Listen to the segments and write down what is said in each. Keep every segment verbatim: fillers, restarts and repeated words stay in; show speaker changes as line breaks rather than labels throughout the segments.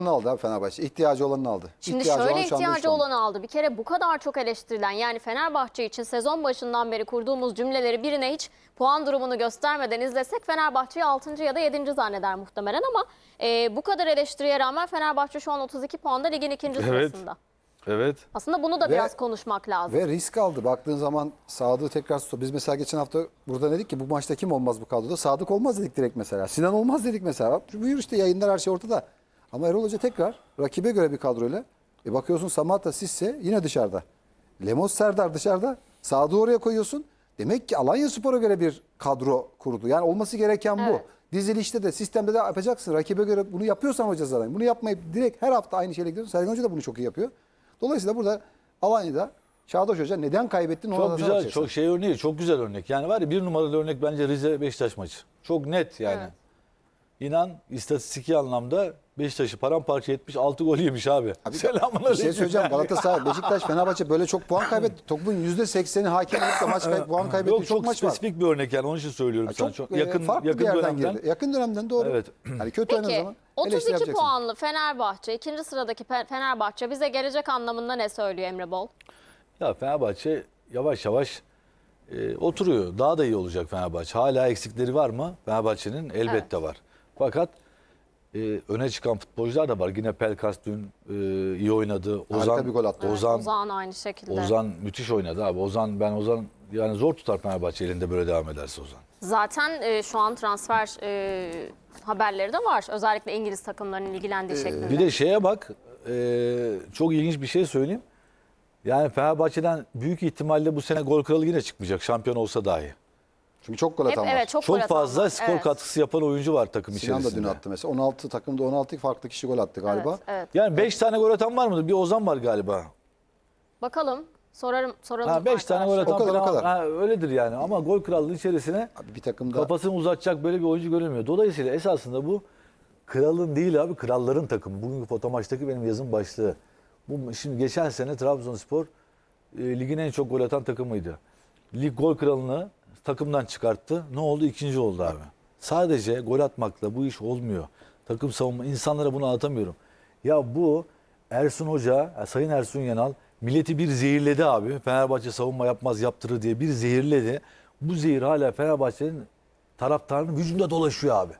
aldı abi Fenerbahçe. İhtiyacı olanını aldı.
Şimdi
İhtiyacı
şöyle
olan şu anda
ihtiyacı
şu anda.
olanı aldı. Bir kere bu kadar çok eleştirilen, yani Fenerbahçe için sezon başından beri kurduğumuz cümleleri birine hiç puan durumunu göstermeden izlesek Fenerbahçe'yi altıncı ya da yedinci zanneder muhtemelen, ama e, bu kadar eleştiriye rağmen Fenerbahçe şu an otuz iki puanda ligin ikinci
Evet.
sırasında.
Evet.
Aslında bunu da
Ve-
biraz konuşmak lazım.
Ve risk aldı. Baktığın zaman Sadık'ı tekrar tutuyor. Biz mesela geçen hafta burada dedik ki bu maçta kim olmaz bu kadroda? Sadık olmaz dedik direkt mesela. Sinan olmaz dedik mesela. Bak, buyur işte, yayınlar, her şey ortada. Ama Erol Hoca tekrar rakibe göre bir kadroyla. E bakıyorsun Samatta, Sisse yine dışarıda. Lemos, Serdar dışarıda. Sadık'ı oraya koyuyorsun. Demek ki Alanyaspor'a göre bir kadro kurdu. Yani olması gereken bu.
Evet.
Dizilişte de sistemde de yapacaksın. Rakibe göre bunu yapıyorsan hoca zaten. Bunu yapmayıp direkt her hafta aynı şeyle gidiyorsun. Sergen Hoca da bunu çok iyi yapıyor. Dolayısıyla burada Alanya'da Çağdaş Hoca neden kaybettin ona
Çok
da
güzel,
bakacaksın.
çok şey örneği, çok güzel örnek. Yani var ya, bir numaralı örnek bence Rize Beşiktaş maçı. Çok net yani.
Evet.
İnan, istatistiki anlamda Beşiktaş'ı paramparça etmiş, altı gol yemiş abi.
Abi,
Selamun
bir şey söyleyeceğim. Galatasaray, Beşiktaş, Fenerbahçe böyle çok puan kaybetti. Topun yüzde sekseni hakem olup da maç kay puan kaybettiği
Yok,
çok,
çok
maç var.
spesifik bir örnek yani, onun için söylüyorum
Ya
sana.
Çok,
Çok
e,
yakın
farklı
yakın
bir yerden
dönemden.
girdi. Yakın dönemden doğru.
Evet.
Yani kötü oynadığı
Peki
zaman
otuz
eleştiri
iki
yapacaksın.
puanlı Fenerbahçe, ikinci sıradaki Fe- Fenerbahçe bize gelecek anlamında ne söylüyor Emre Bol?
Ya Fenerbahçe yavaş yavaş e, oturuyor. Daha da iyi olacak Fenerbahçe. Hala eksikleri var mı? Fenerbahçe'nin elbette
Evet.
var. Fakat e, öne çıkan futbolcular da var. Yine Pelkas dün e, iyi oynadı.
Harika
Ozan,
bir gol attı.
Ozan,
Ozan aynı şekilde.
Ozan müthiş oynadı abi. Ozan, ben Ozan yani zor tutar Fenerbahçe elinde böyle devam ederse Ozan.
Zaten e, şu an transfer e, haberleri de var. Özellikle İngiliz takımlarının ilgilendiği şeklinde.
Bir de şeye bak, e, çok ilginç bir şey söyleyeyim. Yani Fenerbahçe'den büyük ihtimalle bu sene gol kralı yine çıkmayacak, şampiyon olsa dahi.
Çünkü çok gol
Hep,
atan var.
evet, çok, gol
Çok
atan
fazla
var.
skor
Evet.
katkısı yapan oyuncu var takım
Sinan da
içerisinde.
dün attı mesela. on altı takımda on altı farklı kişi gol attı galiba.
Evet, evet.
Yani beş tane gol atan var mıdır? Bir Ozan var galiba.
Bakalım. Sorarım, soralım.
Ha, beş tane gol
arkadaşlar.
atan
O kadar, o
falan-
kadar.
Ha, öyledir yani. Ama gol krallığı içerisine
Abi bir takımda
kafasını uzatacak böyle bir oyuncu görülmüyor. Dolayısıyla esasında bu kralın değil abi, kralların takımı. Bugünkü foto maçtaki benim yazım başlığı. Bu, şimdi geçen sene Trabzonspor e, ligin en çok gol atan takımıydı. Lig gol kralını takımdan çıkarttı. Ne oldu? İkinci oldu abi. Sadece gol atmakla bu iş olmuyor. Takım savunma, insanlara bunu anlatamıyorum. Ya bu Ersun Hoca, ya Sayın Ersun Yanal milleti bir zehirledi abi. Fenerbahçe savunma yapmaz, yaptırır diye bir zehirledi. Bu zehir hala Fenerbahçe'nin taraftarının vücudunda dolaşıyor abi.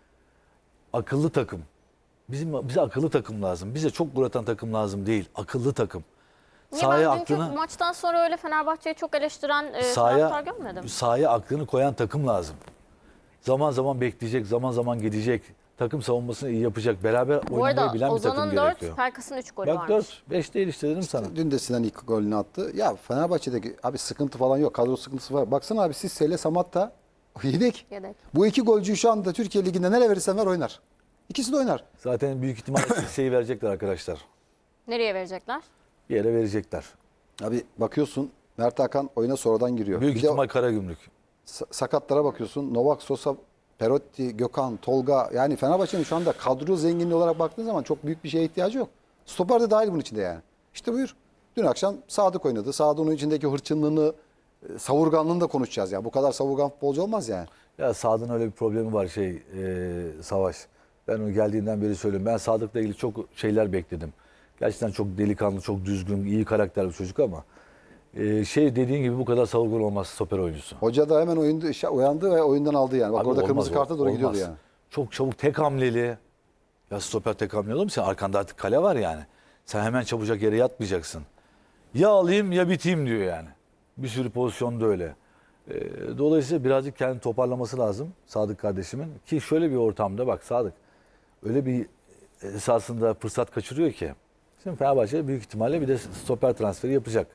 Akıllı takım. Bizim bize akıllı takım lazım. Bize çok gol atan takım lazım değil. Akıllı takım.
Niye
Sahaya
ben dünkü
aklını
maçtan sonra öyle Fenerbahçe'yi çok eleştiren e,
sahaya,
taraftar görmedim.
sahaya aklını koyan takım lazım. Zaman zaman bekleyecek, zaman zaman gidecek. Takım savunmasını iyi yapacak. Beraber
Bu
oynamayı
arada
bilen bir takım
Ozan'ın
gerekiyor.
dört, Pelkas'ın üç golü
Bak
varmış.
dört, beş değil işte dedim sana.
dün de Sinan ilk golünü attı. Ya Fenerbahçe'deki abi sıkıntı falan yok. Kadro sıkıntısı var. Baksana abi, Sisse ile Samatta yedek.
Yedek.
Bu iki golcüyü şu anda Türkiye Ligi'nde nereye verirsen ver oynar. İkisi de oynar.
Zaten büyük ihtimalle Sisse'yi verecekler arkadaşlar.
Nereye verecekler?
Bir yere verecekler.
Abi bakıyorsun Mert Hakan oyuna sonradan giriyor.
Büyük
Bir de
ihtimal Karagümrük.
sa- sakatlara bakıyorsun. Novak, Sosa, Perotti, Gökhan, Tolga. Yani Fenerbahçe'nin şu anda kadro zenginliği olarak baktığın zaman çok büyük bir şeye ihtiyacı yok. Stoper de dahil bunun içinde yani. İşte buyur. Dün akşam Sadık oynadı. Sadık'ın içindeki hırçınlığını, e, savurganlığını da konuşacağız yani. Bu kadar savurgan futbolcu olmaz yani.
Ya Sadık'ın öyle bir problemi var şey e, Savaş. Ben o geldiğinden beri söylüyorum. Ben Sadık'la ilgili çok şeyler bekledim. Gerçekten çok delikanlı, çok düzgün, iyi karakterli bir çocuk ama e, şey dediğin gibi bu kadar savurgan olmaz stoper oyuncusu.
Hoca da hemen oyunda işe uyandı ve oyundan aldı yani. Bak
Abi
orada
olmaz,
kırmızı karta doğru
olmaz.
gidiyordu yani.
Çok çabuk tek hamleli. Ya stoper tek hamleli olur mu? Sen arkanda artık kale var yani. Sen hemen çabucak yere yatmayacaksın. Ya alayım ya biteyim diyor yani. Bir sürü pozisyonda öyle. Ee, dolayısıyla birazcık kendini toparlaması lazım Sadık kardeşimin. Ki şöyle bir ortamda bak Sadık öyle bir esasında fırsat kaçırıyor ki. Şimdi Fenerbahçe büyük ihtimalle bir de stoper transferi yapacak.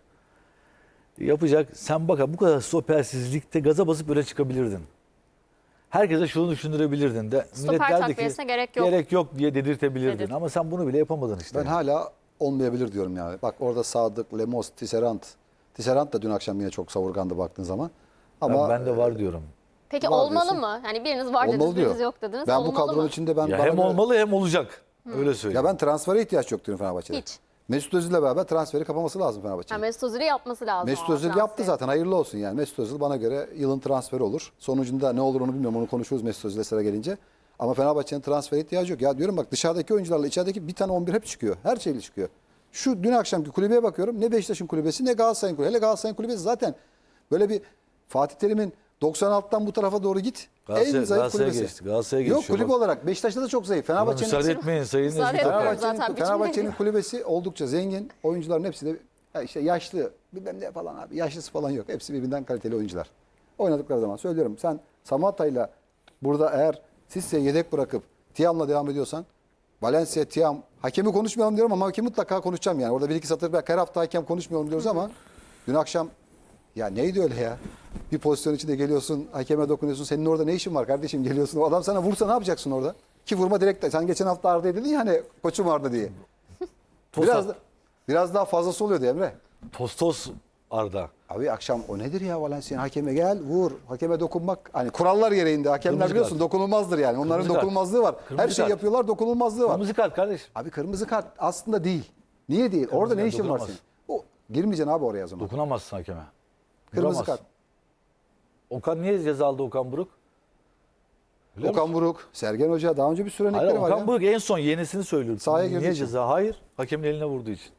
Yapacak. Sen bak bu kadar stopersizlikte gaza basıp öne çıkabilirdin. Herkese şunu düşündürebilirdin de.
Stoper
millet derdi ki
takviyesine gerek yok.
gerek yok diye dedirtebilirdin.
Dedir.
Ama sen bunu bile yapamadın işte.
Ben hala olmayabilir diyorum yani. Bak orada Sadık, Lemos, Tisserand. Tisserand da dün akşam yine çok savurgandı baktığın zaman. Ama
ben, ben de var diyorum.
Peki
Var
olmalı
diyorsun.
mı? Hani biriniz var
olmalı
dediniz,
diyor.
biriniz yok dediniz.
Ben bu
Olmalı
kadronun
mı?
içinde ben
Ya
bana
hem
göre-
olmalı hem olacak. Öyle söyleyeyim.
Ya ben transfere ihtiyaç yok diyorum Fenerbahçe'de.
Hiç.
Mesut Özil'le beraber transferi kapaması lazım
Ha,
Fenerbahçe'nin.
Mesut Özil'i yapması lazım.
Mesut
o
Özil
transferi.
yaptı zaten, hayırlı olsun yani. Mesut Özil bana göre yılın transferi olur. Sonucunda ne olur onu bilmiyorum, onu konuşuruz Mesut Özil'e sıra gelince. Ama Fenerbahçe'nin transfer ihtiyacı yok. Ya diyorum bak dışarıdaki oyuncularla içerideki bir tane on bir hep çıkıyor. Her şeyle çıkıyor. Şu dün akşamki kulübeye bakıyorum. Ne Beşiktaş'ın kulübesi ne Galatasaray'ın kulübesi. Hele Galatasaray'ın kulübesi zaten böyle bir Fatih Terim'in doksan altıdan bu tarafa doğru git.
Galatasaray-
en zayıf
Galatasaray'a
kulübesi.
geçti, Galatasaray'a
Yok
geçiyor
kulüp
bak.
olarak Beşiktaş'ta da çok zayıf.
Buna
Fenerbahçe'nin
müsaade etmeyin Sayın
Müsaade
Nezih
etmiyorum.
Toprak.
Zaten
Fenerbahçe'nin,
biçimde
Fenerbahçe'nin
değil.
kulübesi oldukça zengin. Oyuncuların hepsi de ya işte yaşlı bilmem ne falan abi. Yaşlısı falan yok. Hepsi birbirinden kaliteli oyuncular. Oynadıkları zaman söylüyorum. Sen Samatta'yla burada eğer Sisse'yi yedek bırakıp Tiam'la devam ediyorsan Valencia, Tiam, hakemi konuşmayalım diyorum ama hakemi mutlaka konuşacağım yani. Orada bir iki satır belki her hafta hakem konuşmayalım diyoruz ama dün akşam ya neydi öyle ya? Bir pozisyon içinde geliyorsun, hakeme dokunuyorsun. Senin orada ne işin var kardeşim geliyorsun. O adam sana vursa ne yapacaksın orada? Ki vurma direkt. Sen geçen hafta Arda'ya dedin ya hani koçum Arda diye. Biraz da, biraz daha fazlası oluyordu Emre.
Tostos Arda.
Abi akşam o nedir ya Valencia hakeme gel vur. Hakeme dokunmak hani kurallar gereğinde hakemler
Kırmızı
biliyorsun
kart.
dokunulmazdır yani. Onların
Kırmızı kart.
dokunulmazlığı var.
Kırmızı
Her şeyi
kart.
yapıyorlar dokunulmazlığı var.
Kırmızı kart kardeşim.
Abi kırmızı kart aslında değil. Niye değil? Orada ne
kart
işin var
dokunamaz.
senin? O girmeyeceksin abi oraya o zaman.
Dokunamazsın hakeme.
Kırmızı
Vuramazsın.
kart.
Okan niye ceza aldı Okan Buruk? Biliyor
Okan
musun?
Buruk, Sergen Hoca daha önce bir sürü örnekleri
Hayır,
var
Okan
ya.
Buruk en son yenisini söylüyordu.
Sahaya girdiği
Niye
için.
ceza? Hayır. Hakemin eline vurduğu için.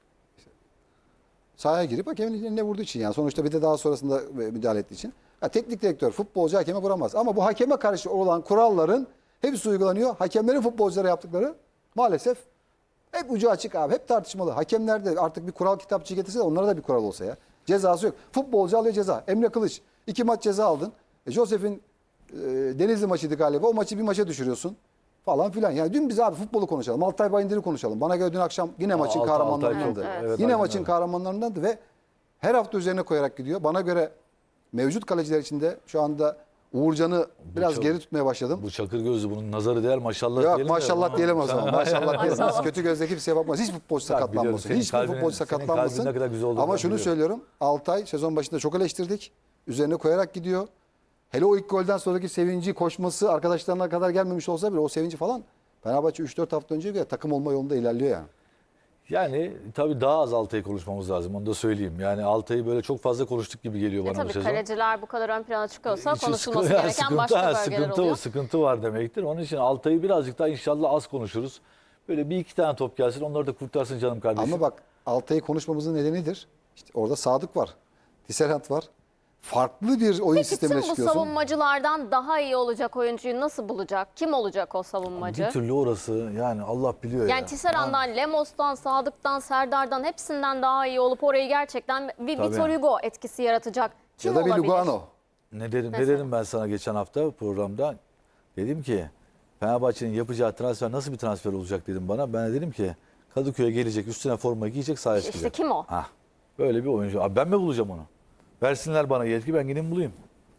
Sahaya girip hakemin eline vurduğu için yani sonuçta bir de daha sonrasında müdahale ettiği için. Ya teknik direktör futbolcu hakeme vuramaz. Ama bu hakeme karşı olan kuralların hepsi uygulanıyor. Hakemlerin futbolculara yaptıkları maalesef hep ucu açık abi. Hep tartışmalı. Hakemler de artık bir kural kitapçığı getirse de onlara da bir kural olsa ya. Cezası yok. Futbolcu alıyor ceza. Emre Kılıç iki maç ceza aldın. E, Josef'in e, Denizli maçıydı galiba. O maçı bir maça düşürüyorsun. Falan filan. Yani dün biz abi futbolu konuşalım. Altay Bayındır'ı konuşalım. Bana göre dün akşam yine maçın
Altay-
kahramanlarındandı.
Altay çok- evet,
yine
aynen
maçın
öyle.
kahramanlarındandı ve her hafta üzerine koyarak gidiyor. Bana göre mevcut kaleciler içinde şu anda Uğurcan'ı biraz
çok-
geri tutmaya başladım.
Bu çakır gözlü bunun nazarı değer maşallah
Yok
diyelim de
maşallah
ama-
diyelim o zaman. Maşallah diyelim.
Maşallah.
Kötü gözle kimseye bakmaz. Hiç futbolcu
biliyorum,
sakatlanmasın.
senin
Hiçbir
kalbinin-
futbolcu
senin
sakatlanmasın.
kalbinin ne kadar güzel olduğunu
Ama
ben
şunu
biliyorum.
söylüyorum. Altay sezon başında çok eleştirdik. Üzerine koyarak gidiyor. Hele o ilk golden sonraki sevinci, koşması arkadaşlarına kadar gelmemiş olsa bile o sevinci falan Fenerbahçe üç dört hafta önce göre takım olma yolunda ilerliyor yani.
Yani tabii daha az Altay'ı konuşmamız lazım. Onu da söyleyeyim. Yani Altay'ı böyle çok fazla konuştuk gibi geliyor
E
bana bu
tabii
sezon.
kaleciler bu kadar ön plana çıkıyorsa
İçin
konuşulması
sıkıntı-
gereken
sıkıntı,
başka
ha,
bölgeler
sıkıntı,
oluyor.
Sıkıntı var demektir. Onun için Altay'ı birazcık daha inşallah az konuşuruz. Böyle bir iki tane top gelsin onları da kurtarsın canım kardeşim.
Ama bak Altay'ı konuşmamızın nedenidir. İşte orada Sadık var. Tisserand var. Farklı bir oyun
Peki
sistemine
tüm bu
çıkıyorsun.
savunmacılardan daha iyi olacak oyuncuyu nasıl bulacak? Kim olacak o savunmacı?
Bir türlü orası yani Allah biliyor ya.
Yani Tisserand'dan, Lemos'tan, Sadık'tan, Serdar'dan hepsinden daha iyi olup orayı gerçekten bir
Tabii.
Vitor Hugo etkisi yaratacak. Kim
Ya da bir
olabilir?
Lugano.
Ne dedim, ne
Mesela.
dedim ben sana geçen hafta programda? Dedim ki Fenerbahçe'nin yapacağı transfer nasıl bir transfer olacak dedim bana. Ben de dedim ki Kadıköy'e gelecek, üstüne forma giyecek, sahaya
İşte
çıkacak.
kim o?
Hah, böyle bir oyuncu. Abi ben mi bulacağım onu? Versinler bana yetki, ben gideyim bulayım.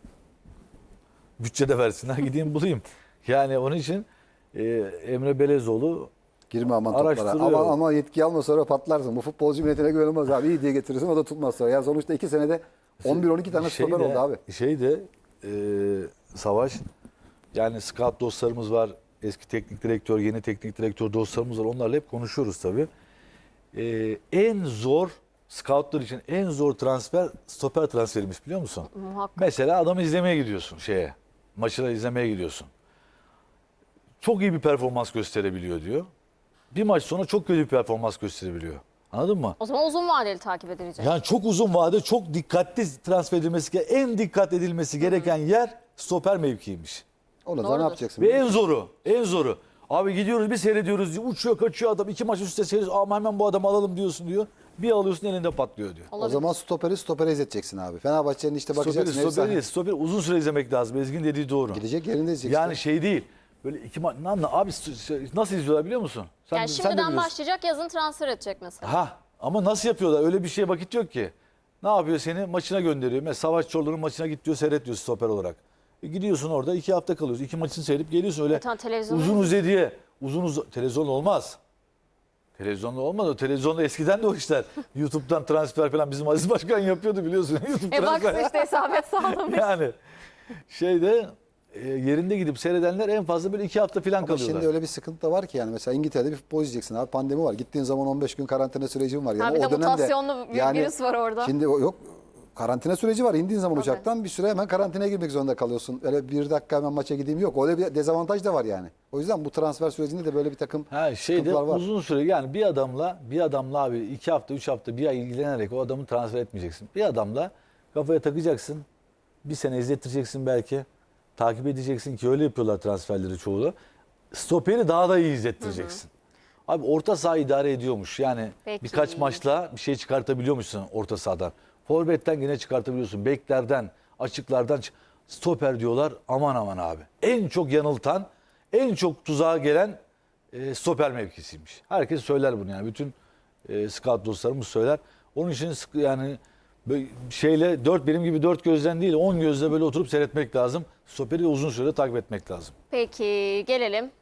Bütçede versinler, gideyim bulayım. Yani onun için e, Emre Belezoğlu
Girme aman toplara.
Araştırıyor.
Ama, ama yetki alma sonra patlarsın. Bu futbolcu milletine güvenilmez abi. İyi diye getirirsin o da tutmaz sonra. Ya sonuçta iki senede on bir on iki tane
şey
stoper
de-
oldu abi.
Şey de e, Savaş, yani scout dostlarımız var. Eski teknik direktör, yeni teknik direktör dostlarımız var. Onlarla hep konuşuyoruz tabii. E, en zor scoutlar için en zor transfer stoper transferiymiş biliyor musun?
Muhakkak.
Mesela adamı izlemeye gidiyorsun şeye. Maçını izlemeye gidiyorsun. Çok iyi bir performans gösterebiliyor diyor. Bir maç sonra çok kötü bir performans gösterebiliyor. Anladın mı?
O zaman uzun vadeli takip edilecek.
Yani çok uzun vade, çok dikkatli transfer edilmesi gereken, en dikkat edilmesi gereken yer stoper mevkiymiş.
Onu da
Doğrudur.
ne yapacaksın?
Ve en zoru, en zoru. Abi gidiyoruz bir seyrediyoruz, uçuyor kaçıyor adam, iki maç üst üste seyrediyoruz. Ama hemen bu adamı alalım diyorsun diyor. Bir alıyorsun elinde patlıyor diyor.
O
Olabilir.
zaman stoperi stopere izleteceksin abi. Fenerbahçe'nin işte bakacaksın.
Stoperi, stoperi,
efsane.
değil, stoperi uzun süre izlemek lazım. Ezgin dediği doğru.
Gidecek yerinde izleyeceksin.
Yani şey değil. Böyle iki maç, ne anla- abi nasıl izliyorlar biliyor musun? Sen,
Yani
sen de
şimdiden
biliyorsun.
başlayacak, yazın transfer edecek mesela.
Ha, ama nasıl yapıyorlar? Öyle bir şeye vakit yok ki. Ne yapıyor seni? Maçına gönderiyor. Mesela Savaş Çorlu'nun maçına git diyor, seyret diyor stoper olarak. E gidiyorsun orada iki hafta kalıyorsun. İki maçını seyredip geliyorsun öyle.
Zaten televizyon
Uzun
olmaz.
uzadıya. Uzun uz televizyon olmaz. Televizyonda olmaz. O televizyonda eskiden de o işler. YouTube'dan transfer falan bizim Aziz Başkan yapıyordu biliyorsun. YouTube
E bak
transfer.
işte isabet sağlamış.
Yani şeyde e, yerinde gidip seyredenler en fazla böyle iki hafta falan
Ama
kalıyorlar.
şimdi öyle bir sıkıntı da var ki yani mesela İngiltere'de bir futbol izleyeceksin abi pandemi var. Gittiğin zaman on beş gün karantina sürecin var. Yani
Ha, bir de
o dönemde
mutasyonlu bir virüs var orada.
Şimdi o- yok karantina süreci var. İndiğin zaman
Tabii.
uçaktan bir süre hemen karantinaya girmek zorunda kalıyorsun. Öyle bir dakika hemen maça gideyim yok. Öyle bir dezavantaj da var yani. O yüzden bu transfer sürecinde de böyle bir takım
Ha şeyde
sıkıntılar var.
uzun süre yani bir adamla bir adamla abi iki hafta üç hafta bir ay ilgilenerek o adamı transfer etmeyeceksin. Bir adamla kafaya takacaksın. Bir sene izlettireceksin belki. Takip edeceksin ki öyle yapıyorlar transferleri çoğu da. Stoperi daha da iyi izlettireceksin. Abi orta saha idare ediyormuş. Yani
Peki.
birkaç maçla bir şey çıkartabiliyormuşsun orta sahadan. Forvet'ten yine çıkartabiliyorsun. Beklerden, açıklardan. çık- Stoper diyorlar. Aman aman abi. En çok yanıltan, en çok tuzağa gelen e, stoper mevkisiymiş. Herkes söyler bunu yani. Bütün e, scout dostlarımız söyler. Onun için sık- yani böyle şeyle dört benim gibi dört gözden değil on gözle böyle oturup seyretmek lazım. Stoperi uzun süre takip etmek lazım.
Peki gelelim